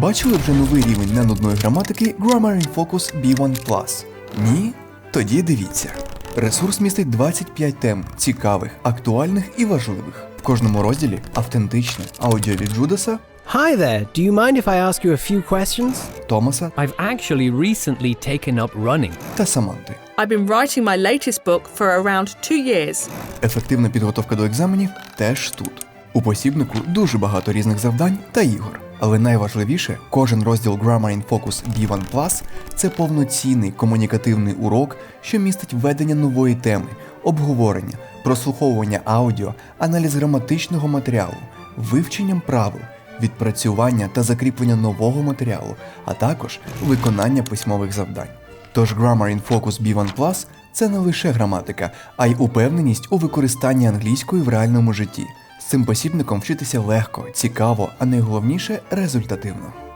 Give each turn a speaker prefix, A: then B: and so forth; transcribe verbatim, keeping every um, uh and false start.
A: Бачили вже новий рівень ненудної граматики Grammar in Focus бі один плюс? Ні? Тоді дивіться. Ресурс містить двадцять п'ять тем, цікавих, актуальних і важливих. В кожному розділі автентичне аудіо від Джудаса,
B: Hi there, do you mind if I ask you a few questions?
A: Томаса
C: I've actually recently taken up running.
A: та Саманти.
D: I've been writing my latest book for around two years.
A: Ефективна підготовка до екзаменів теж тут. У посібнику дуже багато різних завдань та ігор. Але найважливіше, кожен розділ Grammar in Focus бі один плюс – це повноцінний комунікативний урок, що містить введення нової теми, обговорення, прослуховування аудіо, аналіз граматичного матеріалу, вивченням правил, відпрацювання та закріплення нового матеріалу, а також виконання письмових завдань. Тож Grammar in Focus бі один плюс – це не лише граматика, а й упевненість у використанні англійської в реальному житті. З цим посібником вчитися легко, цікаво, а найголовніше – результативно.